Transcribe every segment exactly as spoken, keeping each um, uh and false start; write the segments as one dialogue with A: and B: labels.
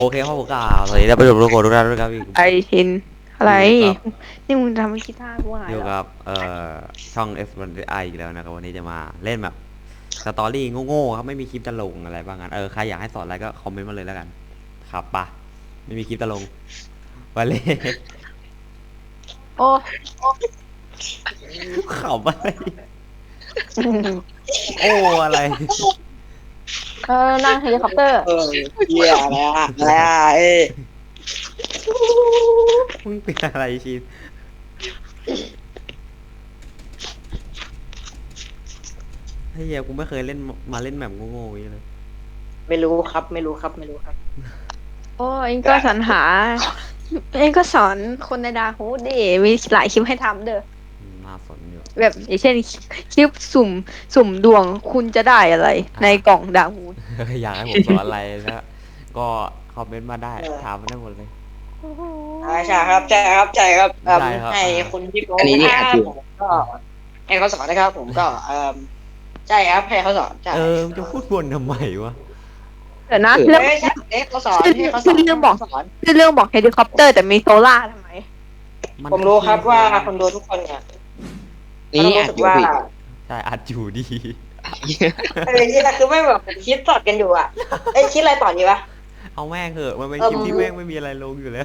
A: โอเคครับผมกล่าวสวัสดีท่านผู้ชมทุกคนทุกท่านด้วยครับอีก
B: ไอทินอะไร
A: อยู่กับ
B: นี่มึงทำให้คิดท่ากูหาย
A: อยู่
B: เหรอ
A: กับเอ่อช่อง เอฟ วัน ไอ อีกแล้วนะครับวันนี้จะมาเล่นแบบสตอรี่โง่ๆครับไม่มีคลิปตลกอะไรบ้างงั้นเออใครอยากให้สอนอะไรก็คอมเมนต์มาเลยแล้วกันครับปะไม่มีคลิปตลกมาเลย
B: โอ้
A: ขำอะไรโอ้อะไร
B: เออนั่งเฮลิคอปเตอร์
C: เออเหี้ยอะไรอะอะไรอะเอ้ย
A: มึงเป็นอะไรชีนเฮียกูไม่เคยเล่นมาเล่นแบบโง่ๆอย่างนี้เลย
C: ไม่รู้ครับไม่รู้ครับไม่รู้ครับ
B: โอ้เองก็สรรหา เองก็สอนคนในดาฮูดดิมีหลายคลิปให้ทำเด้อ
A: อืมน่าสนอยู่
B: แบบอย่างเช่นคลิปสุ่มสุ่มดวงคุณจะได้อะไร ในกล่องดาฮูด
A: อยากให้ผมสอนอะไรนะก็คอมเมนต์มาได้ถามมาได้หมดเลย
C: ใช่ใช่ครับใช่ครับใช่ครับเอิ่ม
A: ใช่ครับ
C: ให้คนที่
D: อันนี้เนี่ย
C: ผมก็ให้เขาสอนนะครับ ผมก็เอ่อใช่ครับให้เขาสอนใช่
A: เออมึงจะพูดวนทำไมวะ
B: เดี๋ยวนะ
D: เออ
B: เรื่อง
C: เอ้ยใช่เอ๊ะเขาสอนให้เขาสอน
B: เรื่องบอก
C: ให้เขาสอน
B: เรื่องบอกเฮลิคอปเตอร์แต่มีโซล่าทำไม
A: น
C: ผมรู้ครับว่าคนดูทุกคนเนี่ย
D: นี่
C: เขา
D: อา
C: รู้
D: จ
C: สึก
D: อยู่
C: ว่า
D: พี่
A: ใช่อัดอยู่ดี
C: เออที่คือไม่แบบคิดสอดกันอยู่อ่ะเอ้ยคิดอะไรต่อดีวะ
A: เอาแม่งเถอะมันเป็น
C: เออ
A: คลิปที่แม่งไม่มีอะไรลงอยู่แล้ว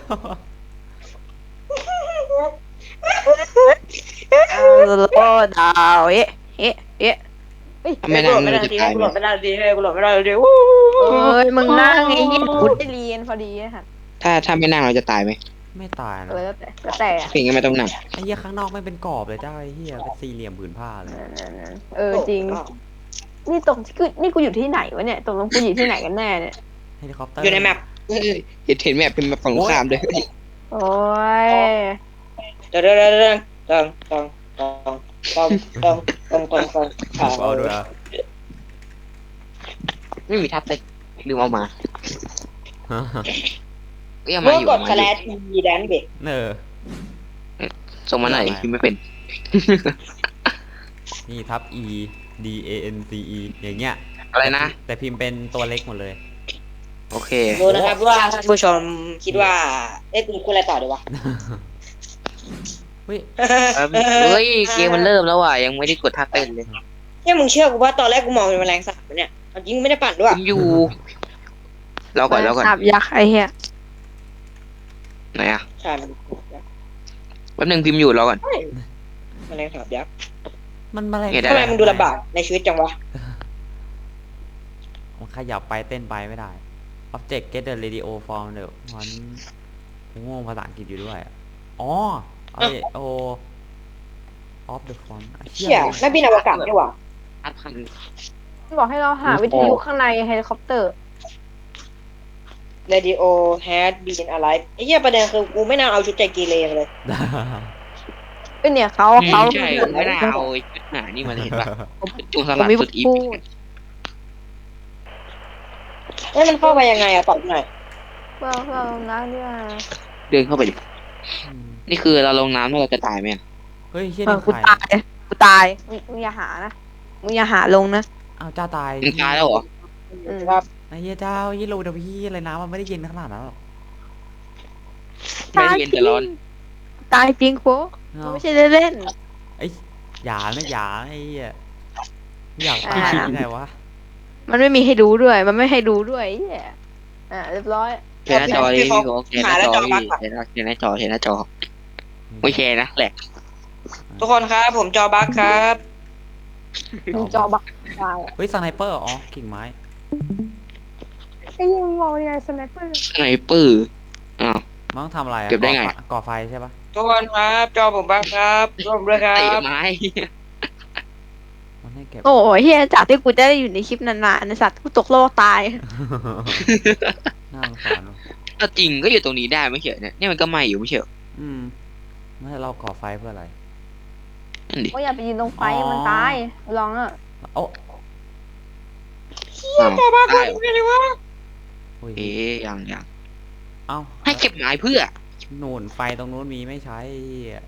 B: เออดาวเอ๊ะเอ๊ะเอ๊ะ
D: ทำไมนาง
C: ไม่
D: ไม่
C: ได้
D: รู้จะ
C: ที
D: ตาย
C: กู
D: ไห
C: ห
D: ม
C: ลบไม่ได้ทีกูหลบไม่ได้ทีวู้
B: เอ้ยมึงนั่งไอ้เหี้ยกูได้เรียนพอดีอะค่ะ
D: ถ้าถ้าไม่นั่งเราจะตายไหม
A: ไม่ตายนะ
B: เออแล้วแต่แล้วแต่อะ
D: เพียงแค่ไม่ต้องนั่ง
A: ไอ้เหี้ยข้างนอกไม่เป็นกรอบเลยเจ้าไอ้เหี้ยเป็นสี่เหลี่ยมผืนผ้าเลย
B: เออจริง นี่ตรงกูนี่กูอยู่ที่ไหนวะเนี่ยตรงกูอยู่ที่ไหนกันแน่เนี่ย
A: เฮลิคอปเตอร์
C: อยู่ในแมป
D: เฮ้ยเห็นเห็นแมพเป็นแบบฝั่งตรงข้ามด้วย
B: โอ้ย
C: เดินเดินเดินเดินตองตองตองตองตองตองตองตอง
A: เอาด้วยอะ
D: ไม่มีทับเลยลืมเอามาเอ้ยเอามา
C: เมื่อ
D: อยู่
C: ก
D: เอา
C: ด
D: มา
C: ส
D: อ
C: แล
D: ยู่
C: ชทีแดนเบรก
A: เนอ
D: ส่งมาหน่อยพิมพ์ไม่เป็น
A: นี่ทับ e d a n c e อย่างเงี้ย
D: อะไรนะ
A: แต่พิมพ์เป็นตัวเล็กหมดเลย
D: โอเค
C: รู้นะครับว่าท่านผู้ชมคิดว่าเอ๊ะกูกูอะไรต่อดีวะ
A: เฮ้ย
D: เออเฮ้ยเกมมันเริ่มแล้วว่ะยังไม่ได้กดท่าเต้นเลย
C: เนี่ยมึงเชื่อกูว่าตอนแรกกูมองเป็นแมลงสาบนะเนี่ยเอาจริงไม่ได้ปั่นด้วย
D: พิมพ์อยู่เราก่อนเราก่อน
B: สับยักษ์ไอ้เหี้ย
D: ไหนอ่ะ
C: ใช่มัน
D: แป๊บนึงพิมพ์อยู่เราก่อน
C: แมลงสาบยักษ์
A: มันมาอะไร
D: เห็นได้
C: ทำไมมึงดูลำบากในชีวิตจังวะ
A: มันขยับไปเต้นไปไม่ได้ object get the radio from the มันกูงงภาษาอังกฤษอยู่ด้วยอะอ๋อไอโอ of the font ไอ้
C: เชี่ยนักบินอวกาศนี่หว่า
D: อัดพัน
B: บอกให้เราหาวิทยุข้างในเฮลิคอปเตอร์
C: radio had been alive ไอ้เหี้ยประเด็นคือกูไม่น่าเอาชุดใจกีเลมาเลย
B: เอ้ยเนี่ยเขาเขา
D: ใช่ไม่ได้เอาไอ้ชุดหานี่มาเห็นปะตัวส
B: ผม
D: ลัด
B: มี
D: สุดอี
B: พู
D: พี
B: ด
C: เอ้ยมันเข้าไปยังไงอะตอบหน่อย
B: เพื่อเพื่อนะเนี่ย
A: Ừ.
D: เดินเข้าไปดินี่คือเราลงน้ำแล้วเราจะตายไหม
A: เฮ้ยเฮีย
B: เออ
A: นี่
B: กู
A: ใคร
B: ตายกูตายมึงมึงอย่าหานะมึงอย่าหาลงนะ
A: อ้าวเจ้าตาย
D: มึงตายแล้วเหรอ
B: อืม
C: ครับ
A: ไอ้เฮียเจ้ายี่โลเดพี่อะไรน้ำมันไม่ได้เย็นขนาดนั้นหรอก
D: ไม่ได้เย็นแต่ร้อน
B: ตายจริงโค้มันไม่ใช่เล่น
A: ไอ้หยานะหยาไอ้เหี้ยอยากตายยังไงวะ
B: ๆมันไม่มีให้ดูด้วย มันไม่ให้ดูด้วยไอ้เหี้ยอ่ะเรียบร้อย
D: แชร์หน้าจอเลยพี่โค้กแชร์หน้าจอพี่แชร์หน้าแชร์หน้าจอแชร์หน้าจอไม่แชร์นะแหลก
C: ทุกคนครับผมจอบักครับ
B: มึงจอบักตาย
A: เฮ้ยสไนเปอร์อ๋อกิ่งไม้
B: ไอ้ยังมองยังไงสไนเปอร์
D: สไนเปอร์อ้าว
A: มันต้องทำอะไรอะ
D: เก็บได้ไง
A: ก่อฟก่อไฟใช่ปะ
C: ทุกคนครับจอผมบักครับร่วมด้วยครั
D: เตะ
C: บ
D: ไม้
A: มันให้เก็บ
B: โอ้ยเฮียจากที่กูจะได้อยู่ในคลิปนานๆในสัตว์กูตกโลกตาย
A: น่าสงสารว่ะ
D: เอาจริงก็อยู่ตรงนี้ได้ไม่เฉยเนี่ยนี่มันก็ไหม้อยู่ไม่เฉย
A: อืมไม่ให้เราก่อไฟเพื่ออะไร
D: นั่นดิ
B: ก็อย่าไปยืนตรงไฟ
A: อ๋อ
B: มันตายลองอ่ะ
A: โอ้
D: อ้าวได้เหรอ
C: ไม่ได้ว่า
A: โอ้ย
D: เอ๊ยยังยัง
A: เอ้า
D: ให้เก็บไม้เพื่อ
A: หนุนไฟตรงนู้นมีไม่ใช้ไอ้เหี้ย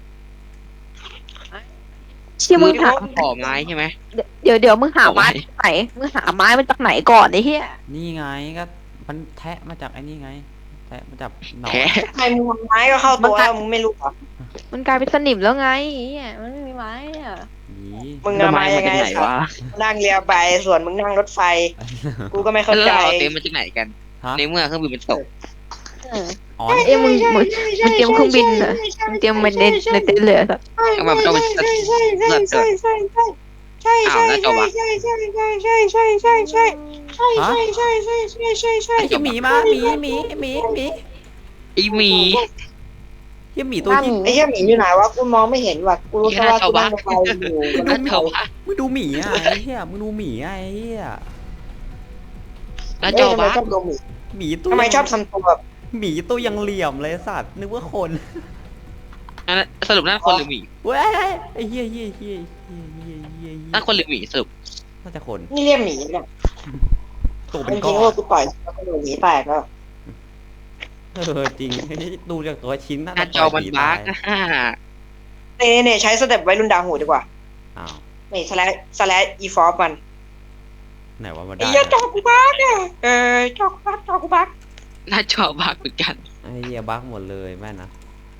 B: เชี่ยมึงหา
D: ขอไม้ใช่ไหม
B: เดี๋ยวเดี๋ยวมึงหา
D: เอาไว้
B: ไม้จากไหนมึงหาไม้มาจากไหนก่อนไอ้เหี้ย
A: นี่ไงก็มันแทะมาจากไอ้นี่ไงแทะมันจับหนอน
D: แท้
C: ทำไมมึงวางไม้ก็เข้าตัวแล้วมึงไม่รู้เหรอ
B: มันกลายเป็นสนิมแล้วไงเนี่ยมันไม่มีไม้อ่ะ
A: หนี
C: มึง
D: ทำ
C: เอา
D: ไม
C: มา
D: มา
C: ยังไง
D: จากไหนวะ
C: นั่งเรือไปส่วนมึงนั่งรถไฟ กูก็ไม่เข้า
D: แล้ว
C: ใจ
D: เราเอาเต็มมาจากไหนกัน
A: ฮะ
D: ในเมื่อเครื่องบินมันตก
A: อ๋อ
B: เอ้ยมึงมึงมึงเตรียมเครื่องบินเหรอมึงเตรียมมันในในเต็นท์เลยเหรอ
D: เอามาต้องเป็น
C: ใช่ใช่ใช่ใช่ใช่ใช่ใช่
D: อ้าวแล้วจะวะ
C: ใช่ใช่ใช่ใช่ใช่ใช่ใช่ใช่
A: ฮะ
C: ใช่ใช่ใช่ใช่ใช่ใช่
A: ไอ้เหี้ยหมีมาหมีหมีหมีหมี
D: ไอหมี
A: เหี้ยหมีตัวที่
C: ไอ้เหี้ยหมีอยู่ไหนวะกูมองไม่เห็นว่ะกูรู้แค่ว่ากูนั่งรถไฟอยู่
D: น่าจอบะ
A: มึงดูหมีอ่ะไอ้เหี้ยมึงดูหมีอ่ะไอ้เหี้ย
D: น่า
C: เอ้
D: จ
C: ย
D: อ
C: ทำไม
D: บะ
C: ชอบดูหมี
A: หมีตัว
C: ทำไมชอบทำตัวแบบ
A: หมีตัวยังเหลี่ยมเลยสัตว์นึกว่าคน
D: อันนั้นสรุปนั่นคนหรือหมี
A: เว้ยไอ้เหี้ยเหี้ยเหี้ยเหี้ยเหี้ยเหี้ยเหี้ย
D: นั่นคนหรือหมีสรุป
A: น่าจะคน
C: นี่เรียกหมีเนี่ย
A: ตัว
C: จ
A: เป็น
C: ริ
A: ก้
C: ง
A: อ
C: ๆว่าน กูต่อยแล้วก็โดนหมีแตกแล้ว
A: เออจริงดูจากตัวชิ้นน่า
D: หน้า
A: จะ
D: จอมัน
A: ปล่
D: บั๊
A: อย
D: ก
A: หมีตาย
D: อ่ะ
C: เนี่ยเนี่ยใช้สเต็ปไว้รุ่นดาวหูดีกว่า
A: อ้าว
C: นี่สแลชสแลชอีฟอร์มัน
A: ไหนว่ามัน
C: ไอ้
A: ได้
C: เหี้ยจอกูบักอ่ะเออจอกูบักจอกูบัก
D: หน้าจอบักเหมือนกัน
A: ไอ้เหี้ยบั๊กหมดเลยแม่นะ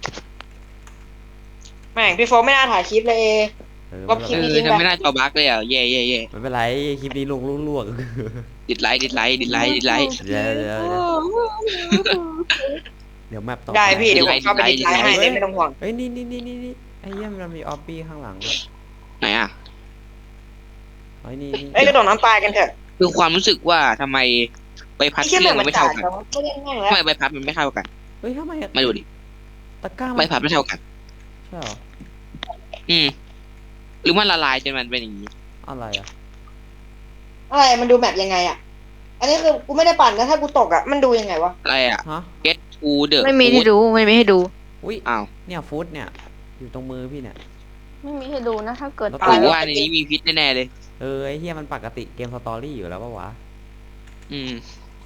C: แม่งพี่โฟไม่น่าถ่ายคลิปเลย
A: เออ
C: ก็
A: ไม่
C: คลิ
A: เป็
C: ป
A: น
D: เอ
A: ไร
D: อทำไม่หน้าจอบักเลยอ่ะเย่เย่เย่
A: ไม่เป็นไรคลิปนี้ลงลวก
D: ดิดไลค์ดิดไลค์ดิดไลค์ดิดไลค์
A: ๆเดี๋ยวเดี๋ยวเดี๋ยวเดี๋ยวแมปต่อ
C: ได้พี่
A: ป
C: เดี๋ยวผมเข้าไปดีไลน์ให้เลยไม่ต้องห่วง
A: เฮ้ยนี่นี่นี่นี่นี่ไอ้เหี้ยมันมีออบบี้ข้างหลังด้วย
D: ไหนอ่ะ
A: เฮ้ยนี่นี่
C: เอ้ยกระโดดน้ำตายกันเถอะ
D: คือความรู้สึกว่าทำไมใบพัด
C: ไอ้เหี้ย
D: เรื่
C: แม่
D: อง
C: ง
D: มั
C: มัน น
D: ไม่
C: จ่า
D: เท่าย กัน
C: ไม่ได้แม่งแล้ว
D: ทำไมใบพัดมันไม่เท่ากัน
A: เฮ้ยทำไมอะ
D: มาดูดิ
A: ตะกร้า
D: ใบ
A: มัน
D: พัดไม่เท่ากัน
A: ใช่เหรอ
D: อืมหรือมันละลายจนมันเป็นอย่างนี้
A: อะไรอ่ะ
C: อะไรมันดูแมปยังไงอ่ะ อันนี้คือกูไม่ได้ปั่นนะถ้ากูตกอ่ะมันดูยังไงวะ
D: อะไรอ่ะ
A: ฮะ
D: get to the
B: ไม่มีให้ดูไม่มีให้ดู
A: อุ้ย
D: อ้าว
A: เนี่ยฟุตเนี่ย อยู่ตรงมือพี่เนี่ย
B: ไม่มีให้ดูนะถ้าเกิด
A: แล้ว
D: หรือว่าในนี้มีพิษแน่ๆเลย
A: เออไอ้เฮียมันปกติเกมสตอรี่อยู่แล้วปะวะ
D: อืม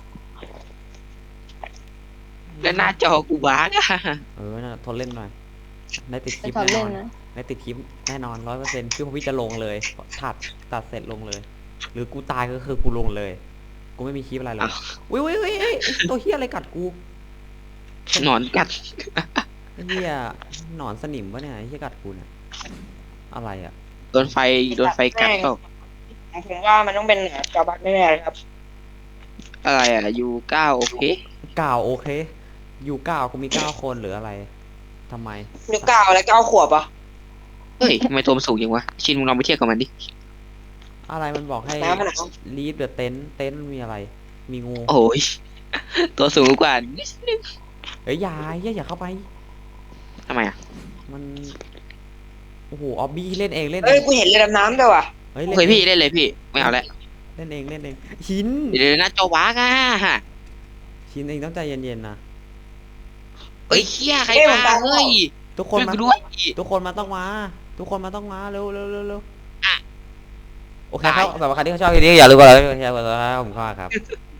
D: แล้วหน้าจอกูบ้าอะ
A: เออน่ะทนเล่นหน่อยได้ติดค
B: ไป
A: ลิป
B: ทำ
A: แน่
B: เล่
A: น
B: น
A: อน
B: นะ
A: ได้ติดคลิปแน่นอนร้อยเปอร์เซ็นต์พี่พพี่จะลงเลยตัดตัดเสร็จลงเลย หรือกูตายก็คือกูลงเลย กูไม่มีคลิปอะไรเลยอุ้ยอุ้ยอุ้ยเอ้ยตัวเฮียอะไรกัดกู
D: หนอนกัด
A: ไอ้เฮียหนอนสนิมปะเนี่ยไอ้เฮียกัดกูเนี่ยอะไรอ่ะ
D: โดนไฟโดนไฟกัดเปล่า
C: ผมว่ามันต้องเป็นจอบักแน่ๆเลยครับ
D: อะไรอ่ะยูเก้าโอเค
A: เก้าโอเค อยู่เก้ากูมีเก้าคนหรืออะไรทำไม
C: นิ้วเก้าแล้วเก้าขวบอ่ะ
D: เฮ้ยทำไมตัวมันสูงจังวะชินมึงลองไปเทียบกับมันดิ
A: อะไรมันบอกให้
C: น้ำมันหนาว
A: ลีฟเดอะเต็นเต็นมีอะไร มีงู
D: โอ้ยตัวสูงกว่านิดนึง
A: เฮ้ยอย่าอย่าอย่าเข้าไป
D: ทำไมอ่ะ
A: มันโอ้โหออบบี้เล่นเองเล่น
C: เอ้
A: เอย ง
C: กูเห็นเรือดำน้ำด้วยว่ะ
A: เฮ้ย
D: โอ
A: เล่น
D: เคพี่เล่นเลยพี่ไม่เอาแล้ว
A: เล่นเองเล่นเองชิน
D: เดี๋ยวหน้าจอว้าอ่ะ
A: ชินเองต้องใจเย็นๆนะ
D: เฮ้ยเขี้ยใครมาเฮ้ย
A: ทุกคน
D: ช่วย
A: มา
D: กูด้วย
A: ทุกคนมาต้องมา ทุกคนมาต้องมาเร็วเร็วเร็วเร็ว
D: อ่ะ
A: โอเคครับสำหรับใครที่เขาชอบคลิปนี้อย่าลืมกดไลค์กดแชร์กดซับสไครต์ผมเข้ามาครับ